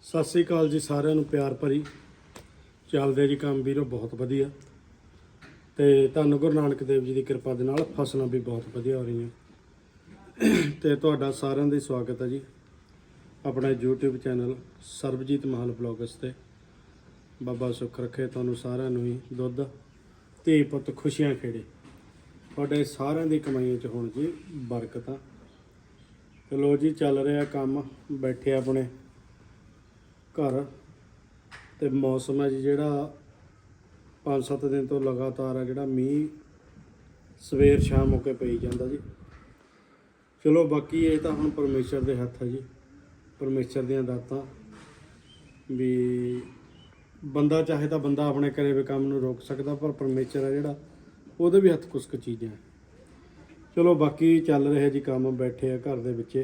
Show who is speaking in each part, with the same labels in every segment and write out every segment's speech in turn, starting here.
Speaker 1: ਸਤਿ ਸ੍ਰੀ ਅਕਾਲ ਜੀ ਸਾਰਿਆਂ ਨੂੰ ਪਿਆਰ ਭਰੀ ਚੱਲਦੇ ਜੀ ਕੰਮ ਵੀਰੋ ਬਹੁਤ ਵਧੀਆ ਤੇ ਧੰਨ ਗੁਰੂ ਨਾਨਕ ਦੇਵ ਜੀ ਦੀ ਕਿਰਪਾ ਦੇ ਨਾਲ ਫਸਲਾਂ ਵੀ ਬਹੁਤ ਵਧੀਆ ਹੋ ਰਹੀਆਂ ਤੇ ਤੁਹਾਡਾ ਸਾਰਿਆਂ ਦਾ ਸਵਾਗਤ ਹੈ ਜੀ ਆਪਣੇ YouTube channel Sarabjit Mahal vlogs ਤੇ ਬਾਬਾ ਸੁੱਖ ਰੱਖੇ ਤੁਹਾਨੂੰ ਸਾਰਿਆਂ ਨੂੰ ਹੀ ਦੁੱਧ ਧੀ ਪੁੱਤ ਖੁਸ਼ੀਆਂ ਖੇੜੇ ਤੁਹਾਡੇ ਸਾਰਿਆਂ ਦੀ ਕਮਾਈਆਂ 'ਚ ਹੋਣ ਜੀ ਬਰਕਤਾਂ ਚਲੋ ਜੀ ਚੱਲ ਰਿਹਾ ਕੰਮ ਬੈਠੇ ਆਪਣੇ ਘਰ ਤੇ ਮੌਸਮ ਹੈ ਜੀ ਜਿਹੜਾ 5-7 ਦਿਨ ਤੋਂ ਲਗਾਤਾਰ ਆ ਜਿਹੜਾ ਮੀਂਹ ਸਵੇਰ ਸ਼ਾਮ ਹੋ ਕੇ ਪਈ ਜਾਂਦਾ ਜੀ ਚਲੋ ਬਾਕੀ ਇਹ ਤਾਂ ਹੁਣ ਪਰਮੇਸ਼ਰ ਦੇ ਹੱਥ ਹੈ ਜੀ ਪਰਮੇਸ਼ਰ ਦੀਆਂ ਦਾਤਾਂ ਵੀ ਬੰਦਾ ਚਾਹੇ ਤਾਂ ਬੰਦਾ ਆਪਣੇ ਕਰੇ ਵੇ ਕੰਮ ਨੂੰ ਰੋਕ ਸਕਦਾ ਪਰ ਪਰਮੇਸ਼ਰ ਹੈ ਜਿਹੜਾ ਉਹਦੇ ਵੀ ਹੱਥ ਕੁਛ ਕੁ ਚੀਜ਼ਾਂ ਚਲੋ ਬਾਕੀ ਚੱਲ ਰਿਹਾ ਜੀ ਕੰਮ ਬੈਠੇ ਆ ਘਰ ਦੇ ਵਿੱਚ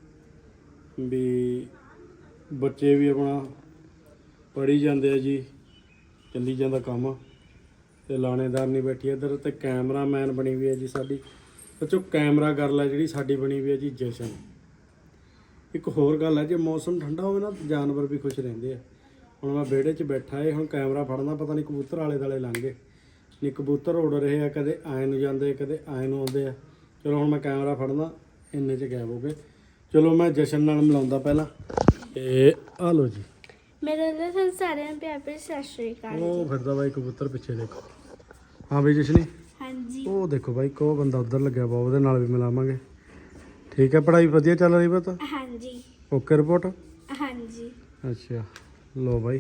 Speaker 1: ਵੀ ਬੱਚੇ ਵੀ ਆਪਣਾ ਪੜ੍ਹੀ ਜਾਂਦੇ ਆ ਜੀ ਚੱਲੀ ਜਾਂਦਾ ਕੰਮ ਤੇ ਲਾਣੇਦਾਰ ਨਹੀਂ ਬੈਠੀ ਇੱਧਰ ਤੇ ਕੈਮਰਾਮੈਨ ਬਣੀ ਹੋਈ ਹੈ ਜੀ ਸਾਡੀ ਬੱਚੋ ਕੈਮਰਾ ਗਰਲ ਹੈ ਜਿਹੜੀ ਸਾਡੀ ਬਣੀ ਹੋਈ ਹੈ ਜੀ ਜਸ਼ਨ ਇੱਕ ਹੋਰ ਗੱਲ ਹੈ ਜੇ ਮੌਸਮ ਠੰਡਾ ਹੋਵੇ ਨਾ ਜਾਨਵਰ ਵੀ ਖੁਸ਼ ਰਹਿੰਦੇ ਆ ਹੁਣ ਮੈਂ ਵਿਹੜੇ 'ਚ ਬੈਠਾ ਏ ਹੁਣ ਕੈਮਰਾ ਫੜਨਾ ਪਤਾ ਨਹੀਂ ਕਬੂਤਰ ਆਲੇ ਦੁਆਲੇ ਲੰਘ ਗਏ ਨਹੀਂ ਕਬੂਤਰ ਉੱਡ ਰਹੇ ਆ ਕਦੇ ਆਏ ਨੂੰ ਜਾਂਦੇ ਕਦੇ ਆਏ ਨੂੰ ਆਉਂਦੇ ਆ ਚਲੋ ਹੁਣ ਮੈਂ ਕੈਮਰਾ ਫੜਨਾ ਇੰਨੇ 'ਚ ਗਾਇਬ ਹੋ ਗਏ ਚਲੋ ਮੈਂ ਜਸ਼ਨ ਨਾਲ ਮਿਲਾਉਂਦਾ ਪਹਿਲਾਂ ਤੇ ਆ ਲਓ ਜੀ
Speaker 2: ਮੇਰੇ ਨਾਲ ਸਾਰਿਆਂ ਨੂੰ ਪਿਆਰ ਭਰੀ ਸਤਿ ਸ਼੍ਰੀ ਅਕਾਲ
Speaker 1: ਉਹ ਫਿਰਦਾ ਬਾਈ ਕਬੂਤਰ ਪਿੱਛੇ ਦੇਖੋ ਹਾਂ ਬਈ ਜਸ਼ਨੀ
Speaker 2: ਹਾਂਜੀ
Speaker 1: ਉਹ ਦੇਖੋ ਬਾਈ ਕੋ ਬੰਦਾ ਉੱਧਰ ਲੱਗਿਆ ਵਾ ਉਹਦੇ ਨਾਲ ਵੀ ਮਿਲਾਵਾਂਗੇ ਠੀਕ ਹੈ ਪੜ੍ਹਾਈ ਵਧੀਆ ਚੱਲ ਰਹੀ ਵਾ ਤਾਂ
Speaker 2: ਹਾਂਜੀ
Speaker 1: ਓਕੇ ਰਿਪੋਰਟ
Speaker 2: ਹਾਂਜੀ
Speaker 1: ਅੱਛਾ ਲੋ ਬਾਈ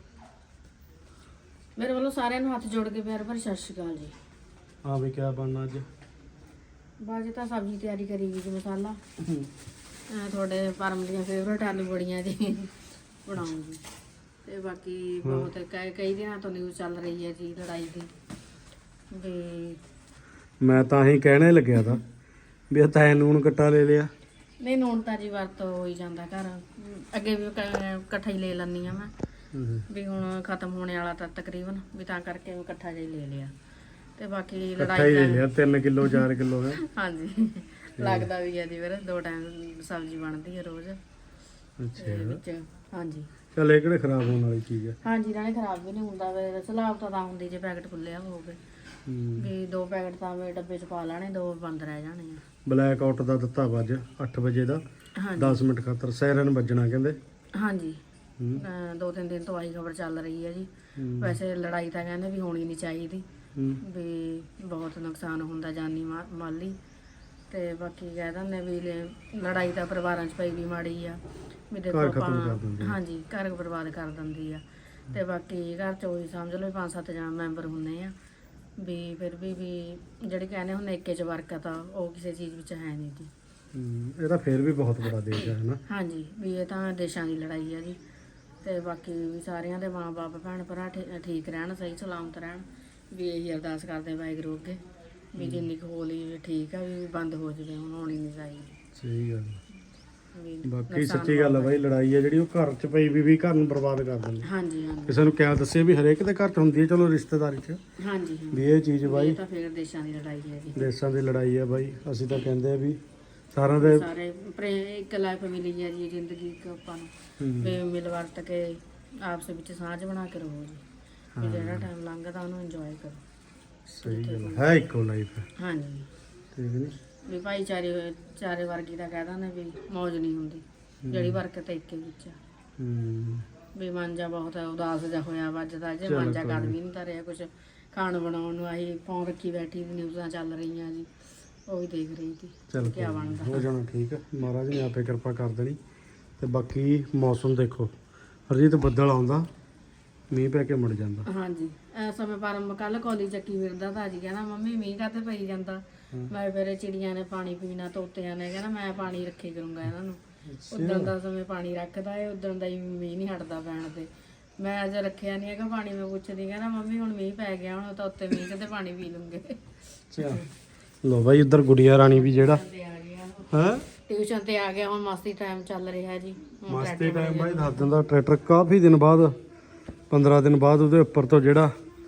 Speaker 3: ਮੇਰੇ ਵੱਲੋਂ ਸਾਰਿਆਂ ਨੂੰ ਹੱਥ ਜੋੜ ਕੇ ਪਿਆਰ ਭਰੀ ਸਤਿ ਸ਼੍ਰੀ ਅਕਾਲ ਜੀ
Speaker 1: ਹਾਂ ਬਈ ਕਿਆ ਬਣਨਾ ਅੱਜ
Speaker 3: ਬਾਅਦ 'ਚ ਤਾਂ ਸਬਜ਼ੀ ਤਿਆਰੀ ਕਰੀ ਗਈ ਜੀ ਮਸਾਲਾ ਤੁਹਾਡੇ ਪਰਮ ਦੀਆਂ ਫੇਵਰਟ ਆਲੂ ਬੜੀਆਂ ਜੀ ਬਣਾਉਂਗੀ ਤੇ ਬਾਕੀ ਬਹੁਤ ਕਈ ਦਿਨਾਂ ਤੋਂ ਨਿਊਜ਼ ਚੱਲ ਰਹੀ ਹੈ ਜੀ ਲੜਾਈ ਦੀ ਵੀ
Speaker 1: ਮੈਂ ਤਾਂ ਹੀ ਕਹਿਣੇ ਲੱਗਿਆ ਤਾਂ ਵੀ ਤੈਨੂੰ ਨੂਣ ਕੱਟਾ ਲੈ ਲਿਆ
Speaker 3: ਨਹੀਂ ਨੂਣ ਤਾਂ ਜੀ ਵਰਤ ਹੋ ਹੀ ਜਾਂਦਾ ਘਰ ਅੱਗੇ ਵੀ ਇਕੱਠਾ ਹੀ ਲੈ ਲੈਂਦੀ ਆ ਮੈਂ ਵੀ ਹੁਣ ਖਤਮ ਹੋਣੇ ਵਾਲਾ ਤਾਂ ਤਕਰੀਬਨ ਵੀ ਤਾਂ ਕਰਕੇ ਇਕੱਠਾ ਜਿਹਾ ਹੀ ਲੈ ਲਿਆ ਤੇ ਬਾਕੀ
Speaker 1: ਇਕੱਠਾ ਹੀ ਲੈ ਲਿਆ 3 ਕਿਲੋ 4 ਕਿਲੋ ਹੈ
Speaker 3: ਹਾਂਜੀ ਲੱਗਦਾ ਵੀ ਹੈ ਜੀ ਫਿਰ 2 ਟਾਈਮ ਸਬਜ਼ੀ ਬਣਦੀ ਹੈ ਰੋਜ਼
Speaker 1: ਅੱਛਾ
Speaker 3: ਵਿੱਚ ਹਾਂਜੀ
Speaker 1: ਚੱਲ ਇਹ ਕਿਹੜੇ ਖਰਾਬ ਹੋਣ ਵਾਲੀ ਚੀਜ਼ ਹੈ
Speaker 3: ਹਾਂਜੀ ਨਾਲੇ ਖਰਾਬ ਵੀ ਨਹੀਂ ਹੁੰਦਾ ਫਿਰ ਸਲਾਬ ਤਾਂ ਹੁੰਦੀ ਜੇ ਪੈਕਟ ਖੁੱਲਿਆ ਹੋਵੇ ਵੀ 2 ਪੈਕਟ ਤਾਂ ਮੈਂ ਡੱਬੇ 'ਚ ਪਾ ਲੈਣੇ 2 ਬੰਦ ਰਹਿ ਜਾਣੇ ਆ
Speaker 1: ਬਲੈਕ ਆਊਟ ਦਾ ਦਿੱਤਾ ਵਾ ਅੱਜ 8 ਵਜੇ ਦਾ 10 ਮਿੰਟ ਖਾਤਰ ਸਾਇਰਨ ਵੱਜਣਾ ਕਹਿੰਦੇ
Speaker 3: ਹਾਂਜੀ 2-3 ਦਿਨ ਤੋਂ ਆਹੀ ਖਬਰ ਚੱਲ ਰਹੀ ਹੈ ਜੀ ਵੈਸੇ ਲੜਾਈ ਤਾਂ ਕਹਿੰਦੇ ਵੀ ਹੋਣੀ ਨਹੀਂ ਚਾਹੀਦੀ ਵੀ ਬਹੁਤ ਨੁਕਸਾਨ ਹੁੰਦਾ ਜਾਨੀ ਮਾਲੀ ਤੇ ਬਾਕੀ ਕਹਿ ਦਿੰਦੇ ਵੀ ਲੜਾਈ ਤਾਂ ਪਰਿਵਾਰਾਂ 'ਚ ਪਈ ਵੀ ਮਾੜੀ ਆ ਵੀ ਦੇਖੋ ਆਪਾਂ ਹਾਂਜੀ ਘਰ ਬਰਬਾਦ ਕਰ ਦਿੰਦੀ ਆ ਤੇ ਬਾਕੀ ਘਰ 'ਚ ਉਹੀ ਸਮਝ ਲਓ 5-7 ਜਣ ਮੈਂਬਰ ਹੁੰਦੇ ਆ ਵੀ ਫਿਰ ਵੀ ਜਿਹੜੇ ਕਹਿੰਦੇ ਹੁੰਦੇ ਏਕੇ 'ਚ ਬਰਕਤ ਆ ਉਹ ਕਿਸੇ ਚੀਜ਼ ਵਿੱਚ ਹੈ ਨਹੀਂ ਜੀ
Speaker 1: ਇਹ ਤਾਂ ਫੇਰ ਵੀ ਬਹੁਤ ਬੜਾ ਦੇਸ਼ ਹੈ ਨਾ
Speaker 3: ਹਾਂਜੀ ਵੀ ਇਹ ਤਾਂ ਦੇਸ਼ਾਂ ਦੀ ਲੜਾਈ ਹੈ ਜੀ ਤੇ ਬਾਕੀ ਵੀ ਸਾਰਿਆਂ ਦੇ ਮਾਂ-ਬਾਪ ਭੈਣ ਭਰਾ ਠੀਕ ਰਹਿਣ ਸਹੀ ਸਲਾਮਤ ਰਹਿਣ ਵੀ ਇਹੀ ਅਰਦਾਸ ਕਰਦੇ ਵਾਹਿਗੁਰੂ ਅੱਗੇ ਵੀ ਜਿੰਨੀ ਕੁ ਹੋਲੀ ਠੀਕ ਆ ਵੀ ਬੰਦ ਹੋ ਜਾਵੇ ਹੁਣ ਹੋਣੀ ਨਹੀਂ ਚਾਹੀਦੀ
Speaker 1: ਸਹੀ ਗੱਲ
Speaker 3: ਵੀ
Speaker 1: ਬਾਕੀ ਸੱਚੀ ਗੱਲ ਆ ਬਾਈ ਲੜਾਈ ਆ ਜਿਹੜੀ ਉਹ ਘਰ 'ਚ ਪਈ ਵੀ ਘਰ ਨੂੰ ਬਰਬਾਦ ਕਰ ਦਿੰਦੀ
Speaker 3: ਹਾਂਜੀ ਹਾਂਜੀ
Speaker 1: ਕਿਸੇ ਨੂੰ ਕਿਆ ਦੱਸੇ ਵੀ ਹਰੇਕ ਦੇ ਘਰ 'ਚ ਹੁੰਦੀ ਹੈ ਚਲੋ ਰਿਸ਼ਤੇਦਾਰੀ 'ਚ
Speaker 3: ਹਾਂਜੀ
Speaker 1: ਵੀ ਇਹ ਚੀਜ਼ ਬਾਈ
Speaker 3: ਇਹ ਤਾਂ ਫਿਰ ਦੇਸ਼ਾਂ ਦੀ ਲੜਾਈ ਹੈ ਜੀ
Speaker 1: ਦੇਸ਼ਾਂ ਦੀ ਲੜਾਈ ਆ ਬਾਈ ਅਸੀਂ ਤਾਂ ਕਹਿੰਦੇ ਆ ਵੀ ਸਾਰਿਆਂ ਦੇ
Speaker 3: ਸਾਰੇ ਇੱਕ ਲਾਈਫ ਮਿਲੀ ਹੈ ਜੀ ਜ਼ਿੰਦਗੀ ਇੱਕ ਆਪਾਂ ਨੂੰ ਵੀ ਮਿਲ ਵਰਤ ਕੇ ਆਪਸ ਵਿੱਚ ਸਾਂਝ ਬਣਾ ਕੇ ਰਹੋ ਜੀ ਵੀ ਜਿਹੜਾ ਟਾਈਮ ਲੰਘਦਾ ਉਹਨੂੰ ਇੰਜੋਏ ਕਰੋ
Speaker 1: ਸਹੀ ਗੱਲ ਹੈ ਇੱਕੋ ਲਾਈਫ ਹੈ
Speaker 3: ਹਾਂਜੀ
Speaker 1: ਠੀਕ ਨਹੀਂ
Speaker 3: ਵੀ ਚਾਰੇ ਵਰਗੀ ਦਾ ਕਹਿ ਦਿੰਦੇ ਵੀ ਮੌਜ ਨਹੀਂ ਹੁੰਦੀ ਜਿਹੜੀ ਬਰਕਤ ਇੱਕੇ ਵਿੱਚ ਆ ਵੀ ਮਨ ਜਾ ਬਹੁਤ ਉਦਾਸ ਜਾ ਹੋਇਆ ਵੱਜਦਾ ਜੇ ਮਨ ਜਾ ਕਰ ਵੀ ਨਹੀਂ ਤਾਂ ਰਿਹਾ ਕੁਝ ਖਾਣ ਬਣਾਉਣ ਨੂੰ ਆਹੀ ਫੋਨ ਰੱਖੀ ਬੈਠੀ ਨਿਊਜ਼ਾਂ ਚੱਲ ਰਹੀਆਂ ਜੀ ਉਹ ਵੀ ਦੇਖ ਰਹੀ ਸੀ
Speaker 1: ਚਲ
Speaker 3: ਕੀ ਬਣਦਾ
Speaker 1: ਹੋ ਜਾਣਾ ਠੀਕ ਹੈ ਮਹਾਰਾਜ ਨੇ ਆਪੇ ਕਿਰਪਾ ਕਰ ਦੇਣੀ ਤੇ ਬਾਕੀ ਮੌਸਮ ਦੇਖੋ ਹਰਜੀਤ ਬੱਦਲ ਆਉਂਦਾ ਮੀਂਹ ਪੈ ਕੇ ਮੁੜ ਜਾਂਦਾ
Speaker 3: ਹਾਂਜੀ ਇਸ ਸਮੇਂ ਪਰਮ ਕੱਲ ਕੋਲੀ ਚੱਕੀ ਫਿਰਦਾ ਤਾਂ ਜੀ ਕਹਿੰਦਾ ਮੰਮੀ ਮੀਂਹ ਕਾਤੇ ਪਈ ਜਾਂਦਾ ਮੈਂ ਫਿਰ ਚਿੜੀਆਂ ਨੇ ਪਾਣੀ ਪੀਣਾ ਤੋਤਿਆਂ ਨੇ ਕਹਿੰਦਾ ਮੈਂ ਪਾਣੀ ਰੱਖੇ ਕਰੂੰਗਾ ਇਹਨਾਂ ਨੂੰ ਉਦੋਂ ਦਾ ਸਮੇਂ ਪਾਣੀ ਰੱਖਦਾ ਏ ਉਦੋਂ ਦਾ ਹੀ ਮੀਂਹ ਨਹੀਂ ਹਟਦਾ ਪੈਣ ਤੇ ਮੈਂ ਅੱਜ ਰੱਖਿਆ ਨਹੀਂ ਹੈਗਾ ਪਾਣੀ ਮੈਂ ਪੁੱਛਦੀ ਕਹਿੰਦਾ ਮੰਮੀ ਹੁਣ ਮੀਂਹ ਪੈ ਗਿਆ ਹੁਣ ਤਾਂ ਉੱਤੇ ਮੀਂਹ ਤੇ ਪਾਣੀ ਪੀ ਲੂੰਗੇ
Speaker 1: ਅੱਛਾ ਲੋ ਬਾਈ ਉੱਧਰ ਗੁੜੀਆ ਰਾਣੀ ਵੀ ਜਿਹੜਾ ਹੈ
Speaker 3: ਟਿਊਸ਼ਨ ਤੇ ਆ ਗਿਆ ਹੁਣ ਮਸਤੀ ਟਾਈਮ ਚੱਲ ਰਿਹਾ ਜੀ
Speaker 1: ਮਸਤੀ ਟਾਈਮ ਬਾਈ ਦੱਸ ਦਿੰਦਾ ਟਰੈਕਟਰ ਕਾਫੀ ਦਿਨ ਬਾਅਦ 15 ਦਿਨ ਬਾਅਦ ਉਹਦੇ ਉੱਪਰ ਤੋਂ ਜਿਹੜਾ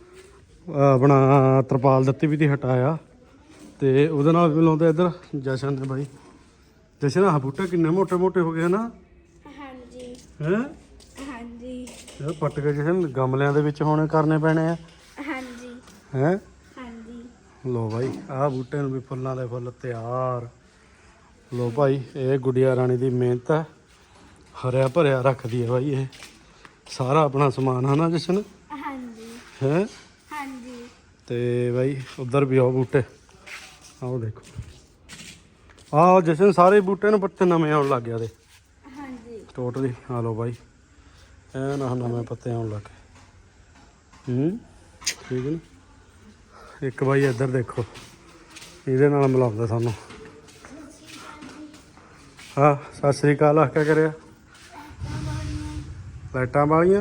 Speaker 1: ਆਪਣਾ ਤਰਪਾਲ ਦਿੱਤੀ ਵੀ ਤੀ ਹਟਾਇਆ ਤੇ ਉਹਦੇ ਨਾਲ ਵੀ ਲਾਉਂਦੇ ਇੱਧਰ ਜਸ਼ਨ ਨੇ ਬਾਈ ਜਸ਼ਨ ਆਹ ਬੂਟੇ ਕਿੰਨੇ ਮੋਟੇ ਮੋਟੇ ਹੋ ਗਏ ਨਾ
Speaker 2: ਹਾਂਜੀ
Speaker 1: ਹੈ
Speaker 2: ਹਾਂਜੀ
Speaker 1: ਇਹ ਪੱਟ ਕੇ ਜਿਹੜੇ ਗਮਲਿਆਂ ਦੇ ਵਿੱਚ ਹੁਣ ਕਰਨੇ ਪੈਣੇ ਆ
Speaker 2: ਹਾਂਜੀ
Speaker 1: ਹੈ।
Speaker 2: ਹਾਂਜੀ
Speaker 1: ਲੋ ਭਾਈ ਆਹ ਬੂਟੇ ਨੂੰ ਵੀ ਫੁੱਲਾਂ ਦੇ ਫੁੱਲ ਤਿਆਰ। ਲੋ ਭਾਈ ਇਹ ਗੁੜੀਆ ਰਾਣੀ ਦੀ ਮਿਹਨਤ ਹੈ, ਹਰਿਆ ਭਰਿਆ ਰੱਖਦੀ ਹੈ ਭਾਈ ਇਹ ਸਾਰਾ ਆਪਣਾ ਸਮਾਨ ਹੈ ਨਾ ਜਸ਼ਨ
Speaker 2: ਹਾਂਜੀ
Speaker 1: ਹੈ।
Speaker 2: ਹਾਂਜੀ
Speaker 1: ਤੇ ਭਾਈ ਉਧਰ ਵੀ ਆਓ ਬੂਟੇ, ਆਓ ਦੇਖੋ ਆਹ ਜਸ਼ਨ ਸਾਰੇ ਬੂਟੇ ਨੂੰ ਪੱਤੇ ਨਵੇਂ ਆਉਣ ਲੱਗ ਗਿਆ ਦੇ
Speaker 2: ਹਾਂਜੀ
Speaker 1: ਟੋਟਲੀ। ਆ ਲੋ ਭਾਈ ਐ ਨਾ ਨਵੇਂ ਪੱਤੇ ਆਉਣ ਲੱਗ ਗਏ। ਠੀਕ ਹੈ ਨਾ। ਇੱਕ ਭਾਈ ਇੱਧਰ ਦੇਖੋ ਇਹਦੇ ਨਾਲ ਮਿਲਾਉਂਦਾ ਸਾਨੂੰ। ਹਾਂ ਸਤਿ ਸ੍ਰੀ ਅਕਾਲ ਆ, ਕਿਆ ਕਰਿਆ ਲਾਈਟਾਂ ਵਾਲੀਆਂ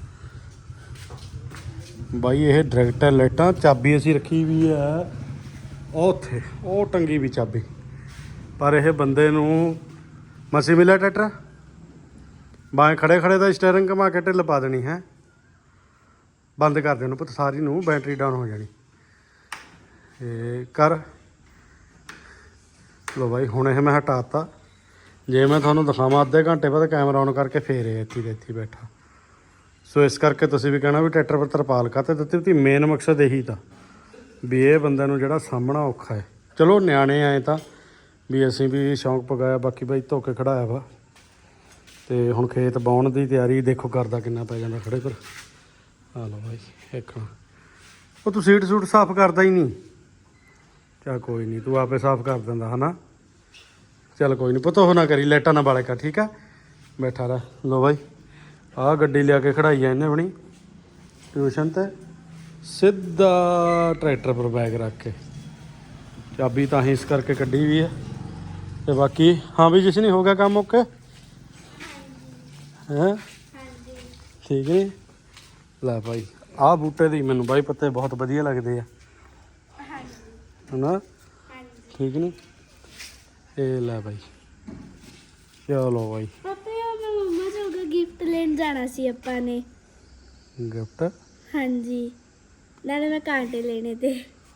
Speaker 1: ਬਾਈ ਇਹ ਡਾਇਰੈਕਟ ਲਾਈਟਾਂ। ਚਾਬੀ ਅਸੀਂ ਰੱਖੀ ਵੀ ਹੈ ਉਹ ਉੱਥੇ, ਉਹ ਟੰਗੀ ਵੀ ਚਾਬੀ, ਪਰ ਇਹ ਬੰਦੇ ਨੂੰ ਮਸੀ ਮਿਲਿਆ ਟਰੈਕਟਰ ਬਾਏ ਖੜੇ ਖੜੇ ਦਾ ਸਟੀਅਰਿੰਗ ਘੁਮਾ ਕੇ ਢਿੱਲ ਪਾ ਦੇਣੀ ਹੈ। ਬੰਦ ਕਰ ਦੇਣ ਪੁੱਤ ਸਾਰੀ ਨੂੰ, ਬੈਟਰੀ ਡਾਊਨ ਹੋ ਜਾਣੀ। ਇਹ ਕਰ ਲੋ ਬਾਈ ਹੁਣ ਇਹ ਮੈਂ ਹਟਾਤਾ। ਜੇ ਮੈਂ ਤੁਹਾਨੂੰ ਦਿਖਾਵਾਂ ਅੱਧੇ ਘੰਟੇ ਬਾਅਦ ਕੈਮਰਾ ਔਨ ਕਰਕੇ ਫੇਰ ਇਹ ਇੱਥੇ ਦੇ ਇੱਥੇ ਬੈਠਾ। ਸੋ ਇਸ ਕਰਕੇ ਤੁਸੀਂ ਵੀ ਕਹਿਣਾ ਵੀ ਟਰੈਕਟਰ ਪਰ ਤਰਪਾਲ ਕਾਹਤੇ ਦਿੱਤੀ ਤੀ। ਮੇਨ ਮਕਸਦ ਇਹੀ ਤਾਂ ਵੀ ਇਹ ਬੰਦਿਆਂ ਨੂੰ ਜਿਹੜਾ ਸਾਹਮਣਾ ਔਖਾ ਹੈ। ਚਲੋ ਨਿਆਣੇ ਆਏ ਤਾਂ ਵੀ ਅਸੀਂ ਵੀ ਸ਼ੌਂਕ ਪਗਾਇਆ, ਬਾਕੀ ਬਾਈ ਧੋ ਕੇ ਖੜਾਇਆ ਵਾ। ਤੇ ਹੁਣ ਖੇਤ ਬਾਉਣ ਦੀ ਤਿਆਰੀ ਦੇਖੋ ਕਰਦਾ ਕਿੰਨਾ ਪੈ ਜਾਂਦਾ ਖੜੇ ਪਰ। ਆ ਲਓ ਬਾਈ ਦੇਖਣਾ ਉਹ ਤੂੰ ਸੀਟ ਸੂਟ ਸਾਫ਼ ਕਰਦਾ ਹੀ ਨਹੀਂ। ਚੱਲ ਕੋਈ ਨਹੀਂ ਤੂੰ ਆਪੇ ਸਾਫ਼ ਕਰ ਦਿੰਦਾ ਹੈ ਨਾ। ਚੱਲ ਕੋਈ ਨਹੀਂ ਪੁੱਤ ਉਹ ਨਾ ਕਰੀ, ਲਾਈਟਾਂ ਨਾ ਬਾਲੇ ਕਰ ਠੀਕ ਆ, ਬੈਠਾ ਰਹਿ। ਲੋ ਬਾਈ ਆਹ ਗੱਡੀ ਲਿਆ ਕੇ ਖੜਾਈ ਆ ਇਹਨੇ ਆਪਣੀ ਟਿਊਸ਼ਨ ਤੇ, ਸਿੱਧਾ ਟਰੈਕਟਰ ਪਰ ਬੈਗ ਰੱਖ ਕੇ। ਚਾਬੀ ਤਾਂ ਹੀ ਇਸ ਕਰਕੇ ਕੱਢੀ ਵੀ ਹੈ। ਤੇ ਬਾਕੀ ਹਾਂ ਵੀ ਜਿਸ ਨਹੀਂ ਹੋ ਗਿਆ ਕੰਮ ਓਕੇ ਹੈਂ
Speaker 2: ਹਾਂਜੀ
Speaker 1: ਠੀਕ ਨਹੀਂ। ਲੈ ਭਾਈ ਆਹ ਬੂਟੇ ਦੀ ਮੈਨੂੰ ਬਾਈ ਪੱਤੇ ਬਹੁਤ ਵਧੀਆ ਲੱਗਦੇ ਆ
Speaker 2: ਹਾਂਜੀ
Speaker 1: ਹੈ ਨਾ।
Speaker 2: ਹਾਂਜੀ
Speaker 1: ਠੀਕ ਨਹੀਂ। ਇਹ ਲੈ ਭਾਈ ਚਲੋ ਭਾਈ
Speaker 2: ਪਾਪਾ ਯਾਰ ਮੈਂ ਮੰਮਾ ਜੋਗਾ ਗਿਫਟ ਲੈਣ ਜਾਣਾ ਸੀ ਆਪਾਂ ਨੇ।
Speaker 1: ਗਿਫਟ
Speaker 2: ਹਾਂਜੀ ਨਾਲੇ ਮੈਂ ਕਾਂਟੇ ਲੈਣੇ ਤੇ।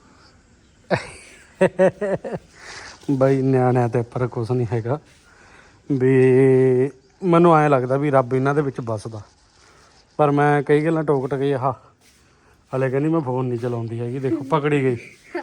Speaker 1: ਬਾਈ ਨਿਆਣਿਆਂ ਤੇ ਪਰ ਕੁਛ ਨਹੀਂ ਹੈਗਾ ਵੀ। ਮੈਨੂੰ ਐਂ ਲੱਗਦਾ ਵੀ ਰੱਬ ਇਹਨਾਂ ਦੇ ਵਿੱਚ ਵੱਸਦਾ, ਪਰ ਮੈਂ ਕਈ ਗੱਲਾਂ ਟੋਕ ਟਕੇ ਆਹ ਹਲੇ ਕਹਿੰਦੀ ਮੈਂ ਫੋਨ ਨਹੀਂ ਚਲਾਉਂਦੀ ਹੈਗੀ। ਦੇਖੋ ਪਕੜੀ ਗਈ।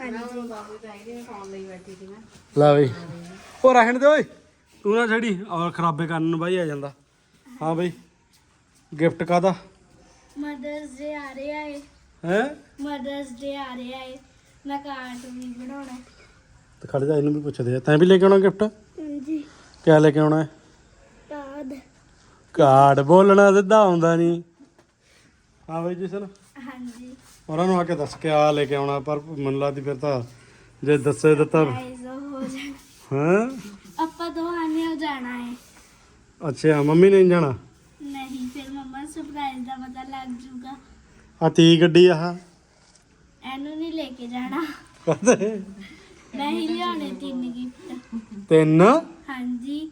Speaker 1: ਲੈ ਬਈ ਉਹ ਰਹਿਣ ਦੇ ਓਏ, ਤੂੰ ਨਾ ਛੜੀ ਔਰ ਖਰਾਬੇ ਕਰਨ ਨੂੰ ਬਾਈ ਆ ਜਾਂਦਾ। ਹਾਂ ਬਈ ਗਿਫਟ ਕਾਹਦਾ?
Speaker 2: ਮਦਰਸ ਡੇ ਆ ਰਿਹਾ ਏ।
Speaker 1: ਹੈ
Speaker 2: ਮਦਰਸ ਡੇ ਆ ਰਿਹਾ ਏ, ਮੈਂ ਕਾਰਟ ਵੀ ਬਣਾਉਣਾ।
Speaker 1: ਤੇ ਖੜ ਜਾ ਇਹਨੂੰ ਵੀ ਪੁੱਛਦੇ ਆ, ਤੈਂ ਵੀ ਲੈ ਕੇ ਆਉਣਾ ਗਿਫਟ?
Speaker 2: ਹਾਂਜੀ
Speaker 1: ਕਿਆ ਲੈ ਕੇ ਆਉਣਾ ਹੈ?
Speaker 2: ਕਾਰਡ।
Speaker 1: ਕਾਰਡ ਬੋਲਣਾ ਸਿੱਧਾ ਆਉਂਦਾ ਨਹੀਂ। ਹਾਂ ਬਈ ਜਸਨ
Speaker 2: ਹਾਂਜੀ
Speaker 1: ਉਹਨਾਂ ਨੂੰ ਆ ਕੇ ਦੱਸ ਕੇ ਆ ਲੈ ਕੇ ਆਉਣਾ, ਪਰ ਮੈਨੂੰ ਲੱਗਦੀ ਫਿਰ ਤਾਂ ਜੇ ਦੱਸੇ ਦਿੱਤਾ।
Speaker 2: ਸਰਪ੍ਰਾਈਜ਼ ਹੋ ਜਾਣਾ।
Speaker 1: ਹਾਂ
Speaker 2: ਆਪਾਂ ਦੋਹਾਂ ਨੇ ਹੋ ਜਾਣਾ ਏ।
Speaker 1: ਅੱਛਾ ਮੰਮੀ ਨੇ ਨਹੀਂ ਜਾਣਾ?
Speaker 2: ਨਹੀਂ ਫਿਰ ਮੰਮਾ ਸਰਪ੍ਰਾਈਜ਼ ਦਾ ਪਤਾ ਲੱਗ ਜੂਗਾ।
Speaker 1: ਆ ਤੀ ਗੱਡੀ ਆਹ
Speaker 2: ਇਹਨੂੰ ਨਹੀਂ ਲੈ ਕੇ ਜਾਣਾ।
Speaker 1: ਕਹਦੇ
Speaker 2: ਮੈਂ ਹੀ ਲਿਆਉਣੇ 3 ਗਿਫਟ।
Speaker 1: 3?
Speaker 2: ਹਾਂਜੀ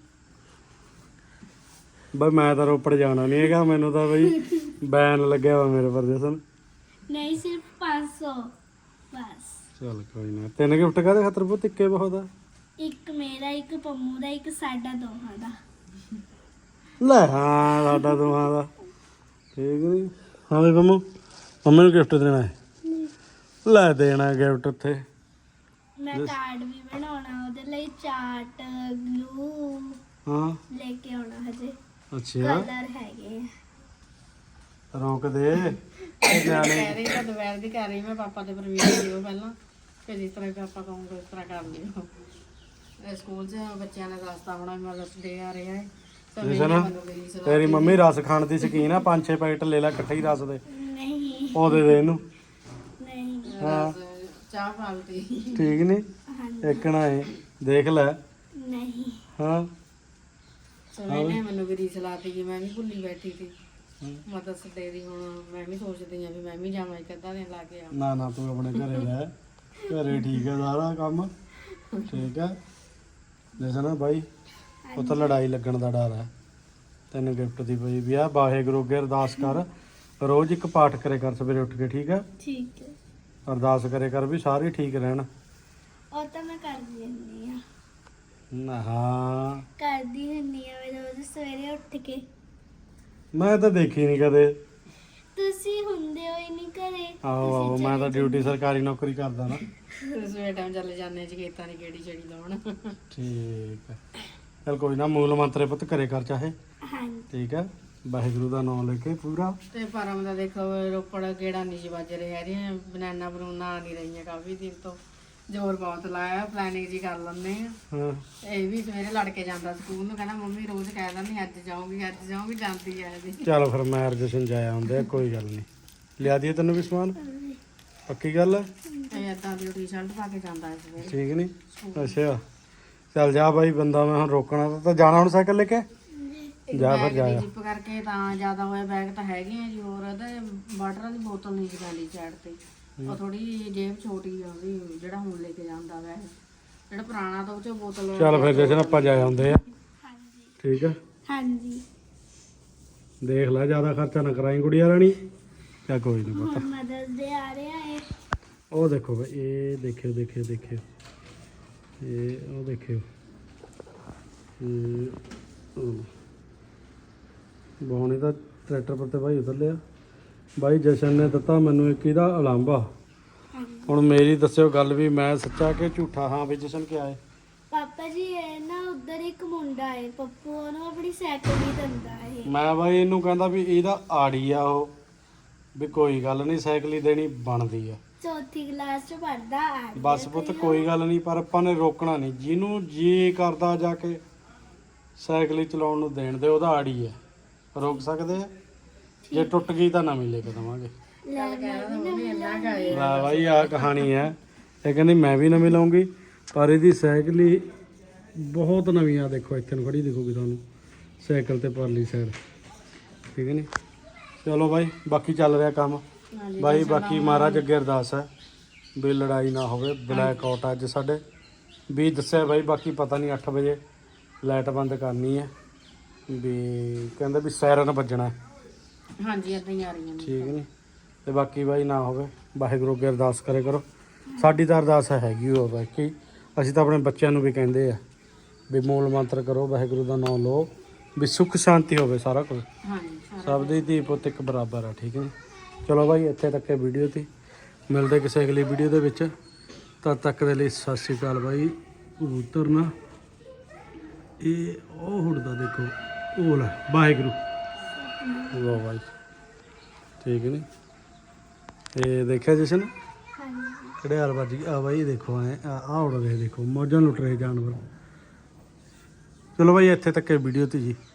Speaker 1: ਬਈ ਮੈਂ ਤਾਂ ਰੋਪੜ ਜਾਣਾ ਨਹੀਂ ਹੈਗਾ, ਮੈਨੂੰ ਤਾਂ ਬਈ ਬੈਨ ਲੱਗਿਆ ਵਾ ਮੇਰੇ ਪਰ ਜਸਨ।
Speaker 2: ਨਹੀਂ ਸਿਰਫ 500 ਬਸ।
Speaker 1: ਚੱਲ ਕੋਈ ਨਾ। 3 ਗਿਫਟ ਕਾਹਦੇ ਖਾਤਰ ਪੁੱਤ? ਇੱਕੇ ਬਹੁਤ ਆ।
Speaker 2: ਇੱਕ ਮੇਰਾ, ਇੱਕ ਪੰਮੂ ਦਾ, ਇੱਕ ਸਾਡਾ ਦੋਹਾਂ ਦਾ।
Speaker 1: ਲੈ ਹਾਂ ਸਾਡਾ ਦੋਹਾਂ ਦਾ ਠੀਕ ਨਹੀਂ। ਹਾਂ ਬਈ ਪੰਮੂ ਮੰਮੀ ਨੂੰ ਗਿਫਟ ਦੇਣਾ ਹੈ? ਲੈ ਦੇਣਾ ਗਿਫਟ ਉੱਥੇ।
Speaker 2: ਮੈਂ ਕਾਰਡ ਵੀ ਬਣਾਉਣਾ ਉਹਦੇ ਲਈ, ਚਾਰਟ ਗਲੂ
Speaker 1: ਹਾਂ
Speaker 2: ਲੈ ਕੇ ਆਉਣਾ ਹਜੇ।
Speaker 1: ਅੱਛਾ
Speaker 2: ਕਲਰ ਹੈਗੇ ਆ।
Speaker 1: ਰੋਕ ਦੇ ਨਿਆਣੇ।
Speaker 3: ਕਹਿ ਰਹੀ ਤਾਂ ਦੁਪਹਿਰ ਦੀ ਕਰ ਰਹੀ ਮੈਂ ਪਾਪਾ ਦੇ ਪਰਮਿਸ਼ਨ ਦਿਓ ਪਹਿਲਾਂ, ਫਿਰ ਜਿਸ ਤਰ੍ਹਾਂ ਪਾਪਾ ਕਹੂੰਗੇ ਉਸ ਤਰ੍ਹਾਂ ਕਰ ਲਿਓ। ਇਹ ਸਕੂਲ 'ਚ ਬੱਚਿਆਂ ਨੇ ਦੱਸਤਾ ਹੋਣਾ ਮਦਰਸ ਡੇ ਆ ਰਿਹਾ ਹੈ।
Speaker 1: ਤੇਰੀ ਮੰਮੀ ਰਸ ਖਾਣ ਦੀ ਸ਼ੌਕੀਨ ਆ, 5-6 ਪੈਕਟ ਲੈ ਲੈ ਇਕੱਠੇ ਹੀ ਰਸ ਦੇ।
Speaker 2: ਨਹੀਂ
Speaker 1: ਉਹ ਦੇ ਦੇ ਇਹਨੂੰ।
Speaker 2: ਨਹੀਂ
Speaker 1: ਹਾਂ
Speaker 3: ਚਾਹ ਪਾਲਟੀ
Speaker 1: ਠੀਕ ਨਹੀਂ।
Speaker 2: ਹਾਂਜੀ
Speaker 1: ਇੱਕ ਨਾ ਇਹ ਦੇਖ ਲੈ।
Speaker 2: ਨਹੀਂ
Speaker 1: ਹਾਂ
Speaker 3: ਸਵੇਰੇ ਮੈਨੂੰ ਵੀ ਰੀਸ ਲਾਤੀ ਕਿ ਮੈਂ ਵੀ ਭੁੱਲੀ ਬੈਠੀ ਸੀ ਮਦਰਸ ਡੇ ਦੀ। ਹੁਣ ਮੈਂ ਵੀ ਸੋਚਦੀ ਆ ਵੀ ਮੈਂ ਵੀ ਜਾਵਾਂ ਇੱਕ ਅੱਧਾ ਦਿਨ ਲਾ ਕੇ ਆਵਾਂ।
Speaker 1: ਨਾ ਨਾ ਤੂੰ ਆਪਣੇ ਘਰੇ ਰਹਿ, ਘਰੇ ਠੀਕ ਹੈ ਸਾਰਾ ਕੰਮ ਠੀਕ ਹੈ। ਜਸਨ ਬਾਈ ਉਹ ਤਾਂ ਲੜਾਈ ਲੱਗਣ ਦਾ ਡਰ ਹੈ। ਤੈਨੂੰ ਗਿਫਟ ਦੀ ਪਈ ਵੀ ਆ। ਵਾਹਿਗੁਰੂ ਅੱਗੇ ਅਰਦਾਸ ਕਰ, ਰੋਜ਼ ਇੱਕ ਪਾਠ ਕਰੇ ਕਰ ਸਵੇਰੇ ਉੱਠ ਕੇ ਠੀਕ ਹੈ।
Speaker 2: ਠੀਕ ਹੈ।
Speaker 1: ਅਰਦਾਸ ਕਰੇ ਕਰ ਵੀ ਸਾਰੇ ਠੀਕ ਰਹਿਣ।
Speaker 2: ਉਹ ਤਾਂ ਮੈਂ ਕਰਦੀ ਹੁੰਦੀ ਆ।
Speaker 1: ਨਾ ਹਾਂ
Speaker 2: ਕਰਦੀ ਹੁੰਦੀ ਆ ਮੈਂ ਰੋਜ਼ ਸਵੇਰੇ ਉੱਠ ਕੇ।
Speaker 1: ਮੈਂ ਤਾਂ ਦੇਖੀ ਨਹੀਂ ਕਦੇ।
Speaker 2: ਤੁਸੀਂ ਹੁੰਦੇ ਹੋ ਹੀ ਨਹੀਂ ਘਰੇ।
Speaker 1: ਆਹੋ ਆਹੋ, ਮੈਂ ਤਾਂ ਡਿਊਟੀ ਸਰਕਾਰੀ ਨੌਕਰੀ ਕਰਦਾ ਨਾ।
Speaker 3: ਸਵੇਰ ਟਾਈਮ ਚੱਲੇ ਜਾਂਦੇ ਜੀ ਖੇਤਾਂ ਦੀ ਕਿਹੜੀ ਛੜੀ ਲਾਉਣ।
Speaker 1: ਠੀਕ ਹੈ, ਚਲ ਕੋਈ ਨਾ, ਮੂਲ ਮੰਤਰੇ ਪੁੱਤ ਘਰੇ ਕਰ ਚਾਹੇ।
Speaker 2: ਹਾਂਜੀ
Speaker 1: ਠੀਕ ਹੈ, ਵਾਹਿਗੁਰੂ ਦਾ ਨਾਮ ਲੈ ਕੇ ਪੂਰਾ।
Speaker 3: ਤੇ ਪਰਮ ਦਾ ਦੇਖੋ ਰੋਪੜ ਕਿਹੜਾ ਨਹੀਂ ਜੀ ਵੱਜ ਰਿਹਾ ਇਹਦੀਆਂ ਬਨਾਨਾ ਬਰੂਨਾ ਆ ਨਹੀਂ ਰਹੀਆਂ ਕਾਫੀ ਦਿਨ ਤੋਂ। ਜ਼ੋਰ ਬਹੁਤ ਲਾਇਆ, ਪਲੈਨਿੰਗ ਜੀ ਕਰ ਲੈਂਦੇ ਆ।
Speaker 1: ਹਾਂ
Speaker 3: ਇਹ ਵੀ ਸਵੇਰੇ ਲੜ ਕੇ ਜਾਂਦਾ ਸਕੂਲ ਨੂੰ, ਕਹਿੰਦਾ ਮੰਮੀ ਰੋਜ਼ ਕਹਿ ਦਿੰਦੀ ਅੱਜ ਜਾਊਂਗੀ ਜਾਂਦੀ ਆ ਇਹਦੀ।
Speaker 1: ਚਲ ਫਿਰ ਮੈਂ ਅਰਜਨ ਜਾਇਆ ਹੁੰਦੇ, ਕੋਈ ਗੱਲ ਨਹੀਂ। ਲਿਆ ਦਈਏ ਤੈਨੂੰ ਵੀ ਸਮਾਨ, ਪੱਕੀ ਗੱਲ ਹੈ।
Speaker 3: ਇਹ ਏਦਾਂ ਦੀ ਟੀ-ਸ਼ਰਟ ਪਾ ਕੇ ਜਾਂਦਾ ਹੈ ਸਵੇਰੇ।
Speaker 1: ਠੀਕ ਨਹੀਂ? ਅੱਛਾ ਚੱਲ ਜਾ ਬਾਈ, ਬੰਦਾ ਮੈਂ ਹੁਣ ਰੋਕਣਾ ਤਾਂ ਜਾਣਾ ਹੁਣ ਸਾਈਕਲ ਲੈ ਕੇ। ਜਾ ਫਿਰ ਜਾਇਆ।
Speaker 3: ਜਿੱਪ ਕਰਕੇ ਤਾਂ ਜ਼ਿਆਦਾ ਹੋਇਆ, ਬੈਗ ਤਾਂ ਹੈਗੇ ਆ ਜੀ। ਹੋਰ ਇਹਦੇ ਵਾਟਰ ਦੀ ਬੋਤਲ ਨਹੀਂ ਜਾਂਦੀ ਸਾਈਡ ਤੇ, ਉਹ ਥੋੜੀ ਜੇਬ ਛੋਟੀ ਆ ਉਹਦੀ, ਜਿਹੜਾ ਹੁਣ ਲੈ ਕੇ ਜਾਂਦਾ ਬੈਗ, ਜਿਹੜਾ ਪੁਰਾਣਾ ਤਾਂ ਉਹ ਚ ਬੋਤਲ।
Speaker 1: ਚੱਲ ਫਿਰ ਜਸ਼ਨ ਆਪਾਂ ਜਾਇਆ ਹੁੰਦੇ ਆ।
Speaker 2: ਹਾਂਜੀ
Speaker 1: ਠੀਕ ਹੈ,
Speaker 2: ਹਾਂਜੀ।
Speaker 1: ਦੇਖ ਲੈ ਜ਼ਿਆਦਾ ਖਰਚਾ ਨਾ ਕਰਾਈ ਗੁੜੀਆ ਰਾਣੀ। ਚਾ ਕੋਈ ਨਹੀਂ ਪਤਾ।
Speaker 2: ਹੁਣ ਮਦਰਸ ਡੇ ਆ ਰਿਹਾ ਹੈ।
Speaker 1: ਉਹ ਦੇਖੋ ਬਈ, ਇਹ ਦੇਖਿਓ ਦੇਖਿਓ ਦੇਖਿਓ, ਇਹ ਉਹ ਦੇਖਿਓ, ਬਹੁਣੇ ਦਾ ਟਰੈਕਟਰ ਪਰ ਤੇ ਭਾਈ ਉਤਰ ਲਿਆ। ਬਾਈ ਜਸ਼ਨ ਨੇ ਦਿੱਤਾ ਮੈਨੂੰ ਇੱਕ ਇਹਦਾ ਉਲਾਂਭਾ।
Speaker 2: ਹਾਂਜੀ
Speaker 1: ਹੁਣ ਮੇਰੀ ਦੱਸਿਓ ਗੱਲ ਵੀ ਮੈਂ ਸੱਚਾ ਕਿ ਝੂਠਾ। ਹਾਂ ਵੀ ਜਸ਼ਨ ਕਿਆ ਹੈ?
Speaker 2: ਪਾਪਾ ਜੀ ਇਹ ਨਾ ਉਧਰ ਇੱਕ ਮੁੰਡਾ ਹੈ, ਪੱਪੂ ਉਹਨੂੰ ਆਪਣੀ ਸਾਈਕਲ ਹੀ ਦਿੰਦਾ ਹੈ।
Speaker 1: ਮੈਂ ਬਾਈ ਇਹਨੂੰ ਕਹਿੰਦਾ ਵੀ ਇਹਦਾ ਆੜੀ ਆ ਉਹ, ਵੀ ਕੋਈ ਗੱਲ ਨਹੀਂ ਸਾਈਕਲ ਹੀ ਦੇਣੀ ਬਣਦੀ ਆ।
Speaker 2: ਚੌਥੀ ਕਲਾਸ ਚ ਪੜਦਾ ਆ।
Speaker 1: ਬਸ ਪੁੱਤ ਕੋਈ ਗੱਲ ਨਹੀਂ, ਪਰ ਆਪਾਂ ਨੇ ਰੋਕਣਾ ਨਹੀਂ। ਜਿਹਨੂੰ ਜੀ ਕਰਦਾ ਜਾ ਕੇ ਸਾਈਕਲ ਹੀ ਚਲਾਉਣ ਨੂੰ ਦੇਣ ਦੇ, ਉਹਦਾ ਆੜੀ ਹੈ, ਰੋਕ ਸਕਦੇ ਆ। ਜੇ ਟੁੱਟ ਗਈ ਤਾਂ ਨਵੀਂ ਲੈ ਕੇ ਦੇਵਾਂਗੇ। ਲੈ ਬਾਈ ਆਹ ਕਹਾਣੀ ਹੈ। ਇਹ ਕਹਿੰਦੀ ਮੈਂ ਵੀ ਨਵੀਂ ਲਾਉਂਗੀ, ਪਰ ਇਹਦੀ ਸਾਈਕਲ ਹੀ ਬਹੁਤ ਨਵੀਂ ਆ। ਦੇਖੋ ਇੱਥੇ ਨੂੰ ਖੜੀ ਦਿਖੂਗੀ ਤੁਹਾਨੂੰ ਸਾਈਕਲ ਤੇ ਪਰਲੀ ਸਾਈਡ। ਠੀਕ ਹੈ ਨੀ? ਚਲੋ ਬਾਈ, ਬਾਕੀ ਚੱਲ ਰਿਹਾ ਕੰਮ ਬਾਈ। ਬਾਕੀ ਮਹਾਰਾਜ ਅੱਗੇ ਅਰਦਾਸ ਹੈ ਵੀ ਲੜਾਈ ਨਾ ਹੋਵੇ। ਬਲੈਕ ਆਊਟ ਅੱਜ ਸਾਡੇ ਵੀ ਦੱਸਿਆ ਬਾਈ, ਬਾਕੀ ਪਤਾ ਨਹੀਂ 8 ਵਜੇ ਲਾਈਟ ਬੰਦ ਕਰਨੀ ਹੈ ਵੀ, ਕਹਿੰਦੇ ਵੀ ਸਾਇਰਨ ਵੱਜਣਾ ਹੈ।
Speaker 3: ਹਾਂਜੀ ਏਦਾਂ ਹੀ ਆ ਰਹੀਆਂ ਨੇ।
Speaker 1: ਠੀਕ ਨਹੀਂ? ਤੇ ਬਾਕੀ ਬਾਈ ਨਾ ਹੋਵੇ, ਵਾਹਿਗੁਰੂ ਅੱਗੇ ਅਰਦਾਸ ਕਰੇ ਕਰੋ। ਸਾਡੀ ਤਾਂ ਅਰਦਾਸ ਹੈਗੀ ਉਹ ਬਾਕੀ, ਅਸੀਂ ਤਾਂ ਆਪਣੇ ਬੱਚਿਆਂ ਨੂੰ ਵੀ ਕਹਿੰਦੇ ਆ ਵੀ ਮੂਲ ਮੰਤਰ ਕਰੋ, ਵਾਹਿਗੁਰੂ ਦਾ ਨਾਮ ਲਓ, ਵੀ ਸੁੱਖ ਸ਼ਾਂਤੀ ਹੋਵੇ ਸਾਰਾ ਕੁਝ।
Speaker 3: ਹਾਂਜੀ
Speaker 1: ਸਭ ਦੀ ਧੀ ਪੁੱਤ ਇੱਕ ਬਰਾਬਰ ਆ। ਠੀਕ ਹੈ ਜੀ? ਚਲੋ ਬਾਈ, ਇੱਥੇ ਤੱਕ ਇਹ ਵੀਡੀਓ ਤੇ ਮਿਲਦੇ ਕਿਸੇ ਅਗਲੀ ਵੀਡੀਓ ਦੇ ਵਿੱਚ। ਤਦ ਤੱਕ ਦੇ ਲਈ ਸਤਿ ਸ਼੍ਰੀ ਅਕਾਲ ਬਾਈ। ਕਬੂਤਰ ਨਾ ਇਹ ਉਹ ਹੁੜਦਾ ਦੇਖੋ, ਉਹ ਲੈ ਵਾਹਿਗੁਰੂ ਵਾਹ ਬਾਈ। ਠੀਕ ਨਹੀਂ? ਇਹ ਦੇਖਿਆ ਜਸ਼ਨ
Speaker 2: ਹਾਂਜੀ
Speaker 1: ਕਿਹੜੇ ਹਾਲ ਵੱਜ ਗਈ ਆ ਬਾਈ। ਦੇਖੋ ਐ ਆ ਉੜ ਰਹੇ, ਦੇਖੋ ਮੌਜਾਂ ਲੁੱਟ ਰਹੇ ਜਾਨਵਰ। ਚਲੋ ਬਾਈ, ਇੱਥੇ ਤੱਕ ਇਹ ਵੀਡੀਓ ਤੇ ਜੀ।